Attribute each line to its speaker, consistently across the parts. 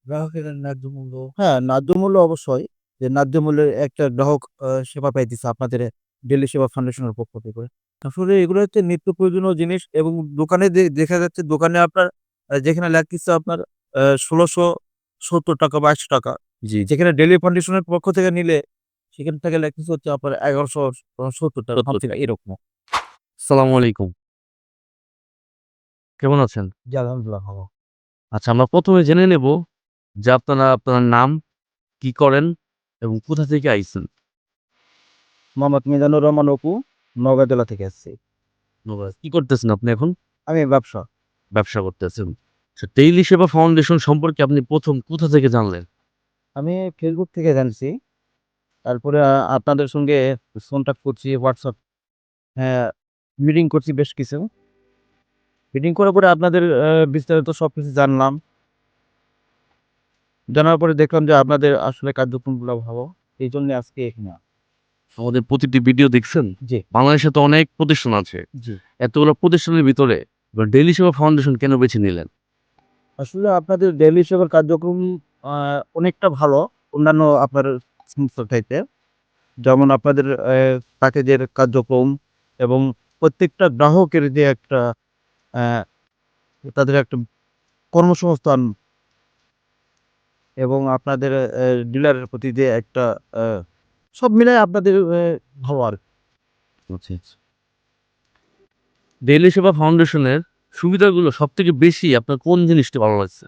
Speaker 1: গ্রাহকের ন্যায্য মূল্য, হ্যাঁ, ন্যায্য মূল্য অবশ্যই। যে ন্যায্য মূল্যের একটা গ্রাহক সেবা পাইতেছে আপনাদের ডেইলি সেবা ফাউন্ডেশনের পক্ষ থেকে। আসলে এগুলো হচ্ছে নিত্য প্রয়োজনীয় জিনিস এবং দোকানে দেখা যাচ্ছে দোকানে আপনার যেখানে লাগতেছে আপনার ৳১৬৭০ বা ৳৮০০,
Speaker 2: জি,
Speaker 1: যেখানে ডেইলি ফাউন্ডেশনের পক্ষ থেকে নিলে সেখান থেকে লাগতেছে হচ্ছে আপনার ৳১১৭০ সামথিং
Speaker 2: ৳৭০।
Speaker 1: এরকম।
Speaker 2: আসসালামু আলাইকুম। কেমন আছেন?
Speaker 1: জি, আলহামদুলিল্লাহ ভালো।
Speaker 2: আচ্ছা, আমরা ১ম এ জেনে নেব যে আপনার নাম, কি করেন এবং কোথা থেকে আইছেন?
Speaker 1: মোহাম্মদ মিজানুর রহমান অপু, নওগাঁ জেলা থেকে আসছি।
Speaker 2: কি করতেছেন আপনি এখন?
Speaker 1: আমি ব্যবসা।
Speaker 2: ব্যবসা করতেছেন। আচ্ছা, ডেইলি সেবা ফাউন্ডেশন সম্পর্কে আপনি ১ম কোথা থেকে জানলেন?
Speaker 1: আমি ফেসবুক থেকে জানছি। তারপরে আপনাদের সঙ্গে কনট্যাক্ট করছি WhatsApp, হ্যাঁ, মিটিং করছি বেশ কিছু। মিটিং করার পরে আপনাদের বিস্তারিত সবকিছু জানলাম। জানার পরে দেখলাম যে আপনাদের আসলে কার্যক্রমগুলো ভালো। এইজন্য আজকে এখানে
Speaker 2: আমাদের প্রতিটি ভিডিও দেখছেন?
Speaker 1: জি,
Speaker 2: বাংলাদেশে তো অনেক প্রতিষ্ঠান আছে।
Speaker 1: জি।
Speaker 2: এতগুলো প্রতিষ্ঠানের ভিতরে ডেইলি সেবা ফাউন্ডেশন কেন বেছে নিলেন?
Speaker 1: আসলে আপনাদের ডেইলি সেবার কার্যক্রম আ অনেকটা ভালো অন্যান্য আপনার সংস্থার চাইতে। যেমন আপনাদের প্যাকেজের কার্যক্রম এবং প্রত্যেকটা গ্রাহকের যে একটা অ্যা তাদের একটা কর্মসংস্থান এবং আপনাদের ডিলারের প্রতি যে একটা আ সব মিলায় আপনাদের ভালো আরকি।
Speaker 2: আচ্ছা, আচ্ছা। ডেইলি সেবা ফাউন্ডেশনের সুবিধাগুলো সবথেকে বেশি আপনার কোন জিনিসটি ভালো লাগছে?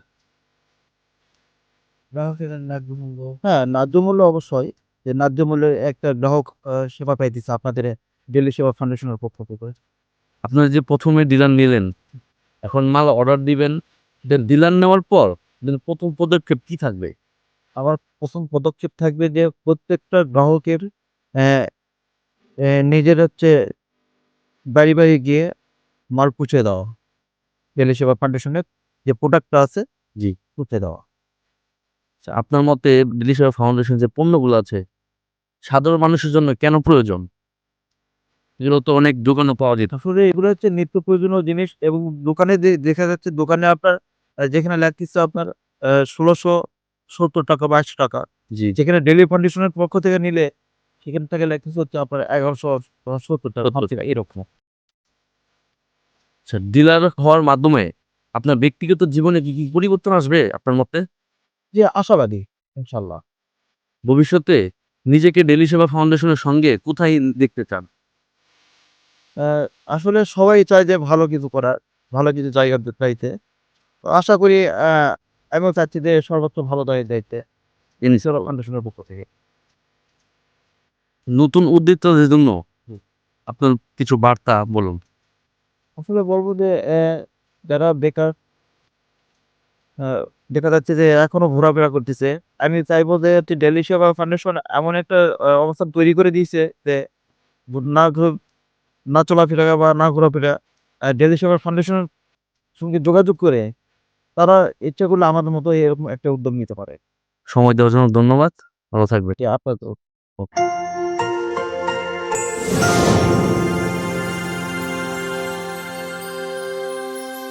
Speaker 1: গ্রাহকের ন্যায্য মূল্য, হ্যাঁ, ন্যায্য মূল্য অবশ্যই। যে ন্যায্য মূল্যের একটা গ্রাহক সেবা পাইতেছে আপনাদের ডেইলি সেবা ফাউন্ডেশনের পক্ষ থেকে।
Speaker 2: আপনারা যে ১ম এ ডিলার নিলেন, এখন মাল অর্ডার দিবেন, দেন ডিলার নেওয়ার পর ১ম পদক্ষেপ কি থাকবে?
Speaker 1: আমার ১ম পদক্ষেপ থাকবে যে প্রত্যেকটা গ্রাহকের অ্যা নিজের হচ্ছে বাড়ি গিয়ে মাল পৌঁছে দেওয়া। ডেইলি সেবা ফাউন্ডেশনের যে প্রোডাক্টটা আছে
Speaker 2: জি।
Speaker 1: পৌঁছে দেওয়া।
Speaker 2: আচ্ছা, আপনার মতে ডেইলি সেবা ফাউন্ডেশন যে পণ্যগুলো আছে, সাধারণ মানুষের জন্য কেন প্রয়োজন? এগুলো তো অনেক দোকানে পাওয়া যেত।
Speaker 1: আসলে এগুলো হচ্ছে নিত্য প্রয়োজনীয় জিনিস এবং দোকানে দেখা যাচ্ছে দোকানে আপনার যেখানে লাগতেছে আপনার ৳১৬৭০ বা ৳৮০০,
Speaker 2: জি,
Speaker 1: যেখানে ডেইলি ফাউন্ডেশনের পক্ষ থেকে নিলে সেখান থেকে লাগতেছে হচ্ছে আপনার ৳১১৭০
Speaker 2: সত্তর।
Speaker 1: সামথিং এরকম।
Speaker 2: আচ্ছা, ডিলার হওয়ার মাধ্যমে আপনার ব্যক্তিগত জীবনে কি পরিবর্তন আসবে আপনার মতে?
Speaker 1: জি, আশাবাদী ইনশাআল্লাহ।
Speaker 2: ভবিষ্যতে নিজেকে ডেইলি সেবা ফাউন্ডেশনের সঙ্গে কোথায় দেখতে চান?
Speaker 1: অ্যা আসলে সবাই চায় যে ভালো কিছু করার, ভালো কিছু জায়গাতে চাইতে। তো আশা করি আমিও চাচ্ছি যে সর্বোচ্চ ভালো জায়গায় যাইতে। সেবা
Speaker 2: ইনশাআল্লাহ।
Speaker 1: ফাউন্ডেশনের পক্ষ থেকে।
Speaker 2: নতুন উদ্যোক্তাদের জন্য আপনার কিছু বার্তা বলুন।
Speaker 1: আসলে বলব যে যারা বেকার, আ দেখা যাচ্ছে যে এখনো ঘোরাফেরা করতেছে। আমি চাইবো যে হচ্ছে ডেইলি সেবা ফাউন্ডেশন এমন একটা অবস্থান তৈরি করে দিয়েছে যে না না চলাফেরা বা না ঘোরাফেরা ডেইলি সেবা ফাউন্ডেশনের সঙ্গে যোগাযোগ করে তারা ইচ্ছা করলে আমাদের মতো এরকম একটা উদ্যোগ নিতে পারে।
Speaker 2: সময় দেওয়ার জন্য ধন্যবাদ। ভালো থাকবেন।
Speaker 1: জি, আপনাকেও।
Speaker 2: ওকে।